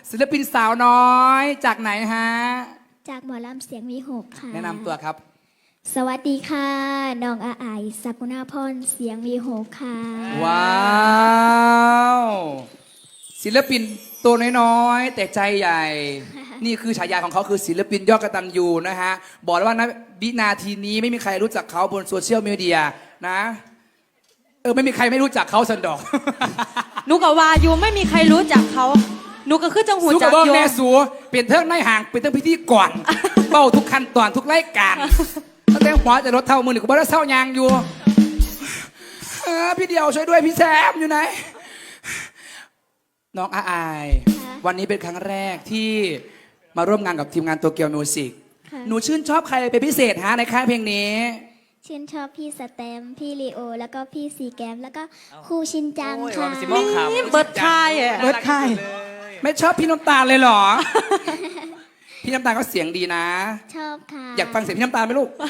ศิลปินสาวน้อยจากไหนฮะจากหมอลำเสียงวีหกค่ะแนะนำตัวครับสวัสดีค่ะน้องอาไอสักุณาพรเสียงวีหกค่ะว้าวศิลปินตัวน้อยๆแต่ใจใหญ่ นี่คือฉายาของเขาคือศิลปินยอดกตัญญูนะฮะบอกเลยว่านะวินาทีนี้ไม่มีใครรู้จักเขาบนโซเชียลมีเดียนะไม่มีใครไม่รู้จักเขาสันดอกหนูกับวายูไม่มีใครรู้จักเขาหนูก็คือจังหูจักโยแม่สูเปลี่ยนเทิงในห่างเป็นเทิงพิธีก่อนเบ้าทุกขั้นตอนทุกรายการตั้งแต่หัวจะรถเท่ามือหนึ่งก็บ่ได้เศร้ายางอยู่พี่เดียวช่วยด้วยพี่แซมอยู่ไหนน้องอาอายวันนี้เป็นครั้งแรกที่มาร่วมงานกับทีมงานโตเกียวมิวสิกหนูชื่นชอบใครเป็นพิเศษฮะในค่ายเพลงนี้ชื่นชอบพี่สแตมพี่ลีโอแล้วก็พี่ซีแกมแล้วก็ครูชินจังค่ะนี่เบิร์ดค่ายเบิร์ดค่ายไม่ชอบพี่น้ำตาลเลยเหรอ พี่น้ำตาลก็เสียงดีนะชอบค่ะอยากฟังเสียงพี่น้ำตาลไหมลูก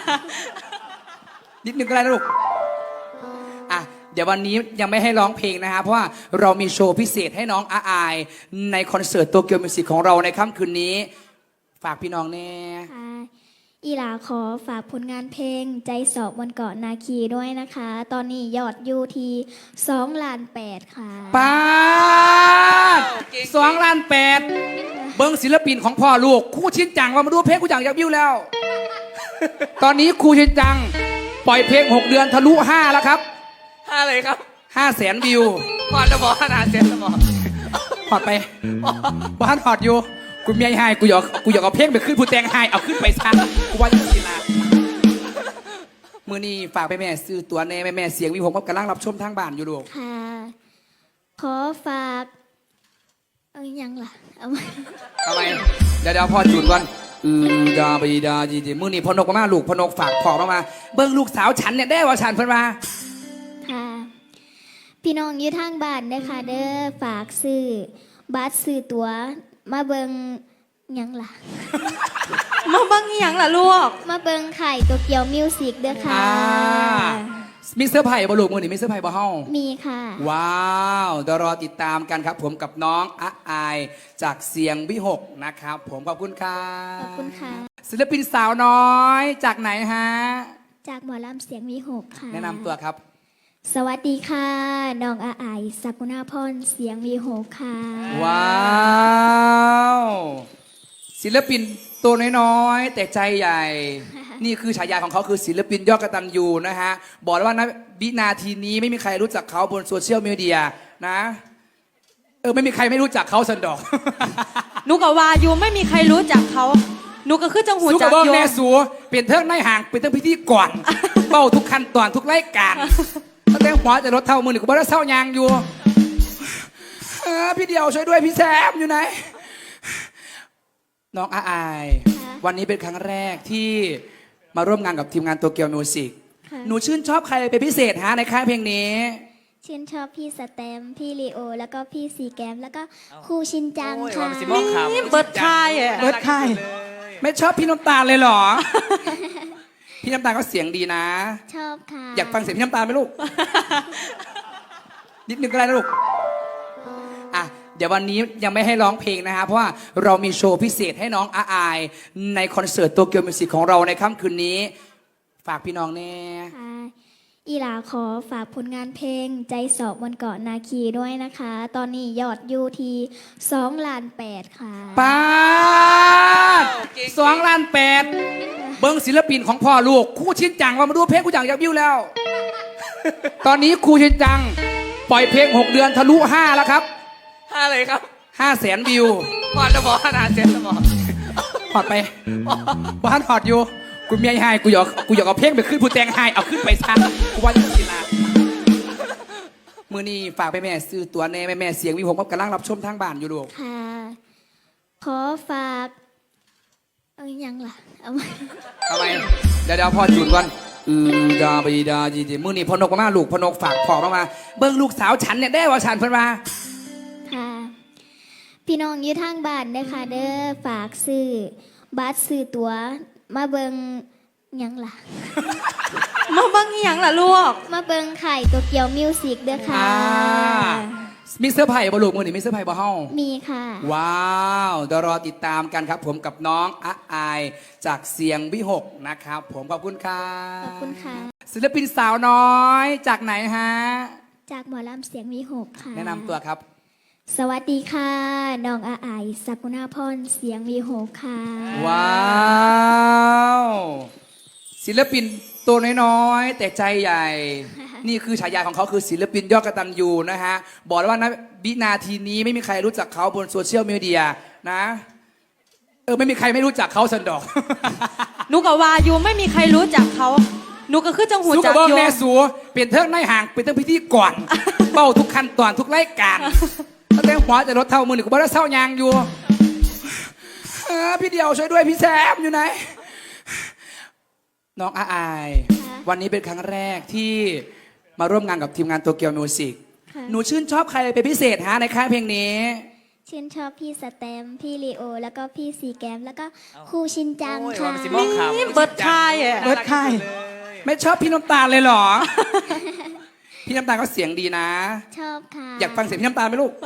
นิดนึงก็ได้นะลูกอ่ะเดี๋ยววันนี้ยังไม่ให้ร้องเพลงนะฮะเพราะว่าเรามีโชว์พิเศษให้น้องอาอายในคอนเสิร์ตโตเกียวมิวสิกของเราในค่ำคืนนี้ฝากพี่น้องแน่อีหลาขอฝากผลงานเพลงใจสอบบนเกาะนาคีด้วยนะคะ ตอนนี้ยอดยูที2,800,000ค่ะป้า2,800,000เบิ้งศิลปินของพ่อลูกครูชินจังว่ามาดูเพลงกูจังอยากวิวแล้ว ตอนนี้ครูชินจังปล่อยเพลง6 เดือนทะลุ5แล้วครับ 5เลยครับ 500,000 วิวพอจะบอกขนาดเซ็นสมองถอดไปบ้านถอดอยู่กูเมียให้กูอยากเอาเพลงไปขึ้นผู้แต่งให้เอาขึ้นไปซะกูว่าจะสิลามือนี้ฝากไปแม่ซื้อตัวแน่แม่เสียงวิผมก็กำลังรับชมทางบ้านอยู่ดูค่ะขอฝากยังล่ะเอามาทำไมเดี๋ยวพอจุดก่อนดาบีดาจีมือนี้พนกมาลูกพนกฝากขอมาเบิ้งลูกสาวฉันเนี่ยได้ว่าฉันเพิ่นมาค่ะพี่น้องอยู่ทางบ้านนะคะเด้อฝากซื้อบัตรซื้อตั๋วมาเบิงยังล่ะมาเบิงยังล่ะลูกมาเบิงไข่โตเกียวมิวสิกเด้อค่ะมีเสื้อไผ่บอลูกมือนี่มีเสื้อไผ่บอเฮามีค่ะว้าวเดี๋ยวรอติดตามกันครับผมกับน้องอาอายจากเสียงวิหกนะครับผมขอบคุณครับขอบคุณค่ะศิลปินสาวน้อยจากไหนฮะจากหมอลำเสียงวิหกค่ะแนะนำตัวครับสวัสดีค่ะน้องอาไอสักุณาพรเสียงวีหกค่ะว้าวศิลปินตัวน้อยๆแต่ใจใหญ่ นี่คือฉายาของเขาคือศิลปินยอดกตัญญูนะฮะบอกเลยว่านะวินาทีนี้ไม่มีใครรู้จักเขาบนโซเชียลมีเดียนะไม่มีใครไม่รู้จักเขาสันดอกหนูกับวายูไม่มีใครรู้จักเขาหนูก็คือจังหูจักโยแม่สูเปลี่ยนเทิงในห่างเป็นเทิงพิธีก่อนเบ้าทุกขั้นตอนทุกรายการตั้งแต่หัวจะรถเท่ามือหนึ่งก็บ่ได้เศร้ายางอยู่พี่เดียวช่วยด้วยพี่แซมอยู่ไหนน้องอาอายวันนี้เป็นครั้งแรกที่มาร่วมงานกับทีมงานโตเกียวมิวสิกหนูชื่นชอบใครเป็นพิเศษฮะในค่ายเพลงนี้ชื่นชอบพี่สแตมพี่ลีโอแล้วก็พี่ซีแกมแล้วก็ครูชินจังค่ะนี่เบิร์ดค่ายเบิร์ดค่ายไม่ชอบพี่น้ำตาลเลยเหรอ พี่น้ำตาลก็เสียงดีนะชอบค่ะอยากฟังเสียงพี่น้ำตาลไหมลูก นิดนึงก็ได้นะลูกอ่ะเดี๋ยววันนี้ยังไม่ให้ร้องเพลงนะฮะเพราะว่าเรามีโชว์พิเศษให้น้องอาอายในคอนเสิร์ตโตเกียวมิวสิกของเราในค่ำคืนนี้ฝากพี่น้องแน่อีหลาขอฝากผลงานเพลงใจสอบบนเกาะนาคีด้วยนะคะ ตอนนี้ยอดยูที2,800,000ค่ะป้า2,800,000เบิ้งศิลปินของพ่อลูกครูชินจังว่ามาดูเพลงกูจังอยากวิวแล้ว ตอนนี้ครูชินจังปล่อยเพลง6 เดือนทะลุ5แล้วครับ 5เลยครับ 500,000 วิวพอจะบอกขนาดเซ็นสมองถอดไปบ้านถอดอยู่กูเมียให้กูอยากเอาเพลงไปขึ้นผู้แต่งให้เอาขึ้นไปซะกูว่าจะสิลามือนี้ฝากไปแม่ซื้อตัวแน่แม่เสียงวิผมก็กำลังรับชมทางบ้านอยู่ดูค่ะขอฝากยังล่ะเอามาทำไมเดี๋ยวพอจุดก่อนดาบีดาจีมือนี้พนกมาลูกพนกฝากขอมาเบิ้งลูกสาวฉันเนี่ยได้ว่าฉันเพิ่นมาค่ะพี่น้องอยู่ทางบ้านนะคะเด้อฝากซื้อบัตรซื้อตั๋วมาเบิงยังล่ะมาเบิงยังล่ะลูกมาเบิงไข่โตเกียวมิวสิกเด้อค่ะมิสเตอร์ไผ่บอลูกมือหนิมิสเตอร์ไผ่บอเฮามีค่ะว้าวเดี๋ยวรอติดตามกันครับผมกับน้องอะอายจากเสียงวิหกนะครับผมขอบคุณค่ะขอบคุณค่ะศิลปินสาวน้อยจากไหนฮะจากหมอลำเสียงวีหกค่ะแนะนำตัวครับสวัสดีค่ะ น้องอาไอายสกุณาพรเสียงวีหกค่ะว้าวศิลปินตัวน้อยๆแต่ใจใหญ่ นี่คือฉายาของเขาคือศิลปินยอดกตัญญูนะฮะบอกเลยว่านะวินาทีนี้ไม่มีใครรู้จักเขาบนโซเชียลมีเดียนะไม่มีใครไม่รู้จักเขาสันดอกหนูกับวาอยู่ไม่มีใครรู้จักเขาหนูก็คือจังหูสู้จักับกเบิ้งอยู่แม่สูเป็นเทิงในห่างเป็นเทิงพิธีก่อน เป้าทุกขั้นตอนทุกรายการตั้งแต่หัวจะรถเท่ามือหนึ่งกูบอกว่าเศร้ายางอยู่พี่เดียวช่วยด้วยพี่แซมอยู่ไหน น้องอาอาย วันนี้เป็นครั้งแรกที่มาร่วมงานกับทีมงานโตเกียวมิวสิกค่ะหนูชื่นชอบใครเป็นพิเศษฮะในค่ายเพลงนี้ชื่นชอบพี่สแตมป์พี่ลีโอ แล้วก็พี่ซีแกม แล้วก็ครูชินจังโอ้ยค่ะว่ามันสิมองขาวนี่เบิร์ดคายอ่ะเบิร์ดค่าย ไม่ชอบพี่น้ำตาลเลยเหรอ พี่น้ำตาลก็เสียงดีนะชอบค่ะอยากฟังเสียงพี่น้ำตาลไหมลูก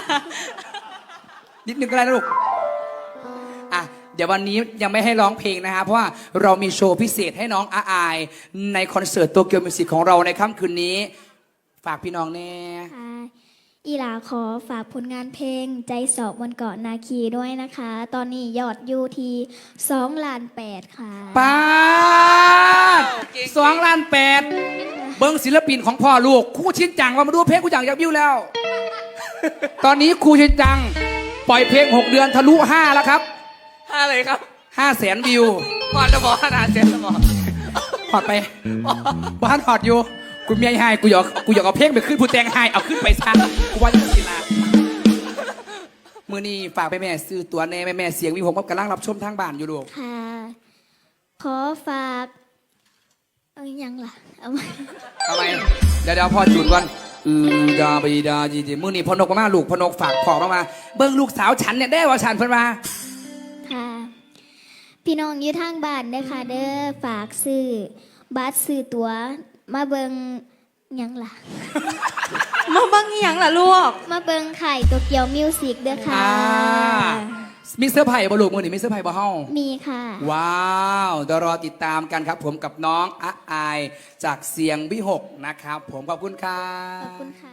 นิดนึงก็ได้นะลูก อ่ะ เดี๋ยววันนี้ยังไม่ให้ร้องเพลงนะฮะเพราะว่าเรามีโชว์พิเศษให้น้องอาอาย ในคอนเสิร์ตโตเกียวมิวสิกของเราในค่ำคืนนี้ ฝากพี่น้องแน่ค่ะอีหลาขอฝากผลงานเพลงใจสอบบนเกาะนาคีด้วยนะคะ ตอนนี้ยอดอยู่ที่2,800,000ค่ะป้าด2,800,000เบิ้งศิลปินของพ่อลูกครู่ชินจังว่ามาดูเพลงกูจังอยากวิวแล้ว ตอนนี้ครูชินจัง ปล่อยเพลง 6 เดือนทะลุ 5 แล้วครับอะไรครับ 500,000 วิวก่อนจะบอกขนาดเจ็ดสมองถอดไปบ้านถอดอยู่กูเมียให้กูอยากเอาเพลงไปขึ้นผู้แต่งให้เอาขึ้นไปซะกูว่าจะสิลามือนี้ฝากไปแม่ซื้อตัวแน่แม่เสียงวิผมกำลังรับชมทางบ้านอยู่ลูกค่ะ ขอฝากยังล่ะ เอามาทำไมเดี๋ยวพ่อจุดก่อนดาบีดาจีจีมือนี้พอนกมาลูกพอนกฝากของมาเบิ้งลูกสาวฉันเนี่ยได้ว่าฉันเพิ่นมาค่ะ พี่น้องอยู่ทางบ้านเด้อค่ะเด้อฝากซื้อบัตรซื้อตั๋วมาเบิงยังล่ะมาบังอหย่างล่ะลูกมาเบิงไข่โตเกียวมิวสิกเด้อค่ะมิสเตอร์ไผ่บอลูกมือนี้มิสเตอร์ไผ่บอเฮามีค่ะว้าวเดี๋ยวรอติดตามกันครับผมกับน้องอะอายจากเสียงวิหกนะครับผมขอบคุณครัขอบบคุณค่ะ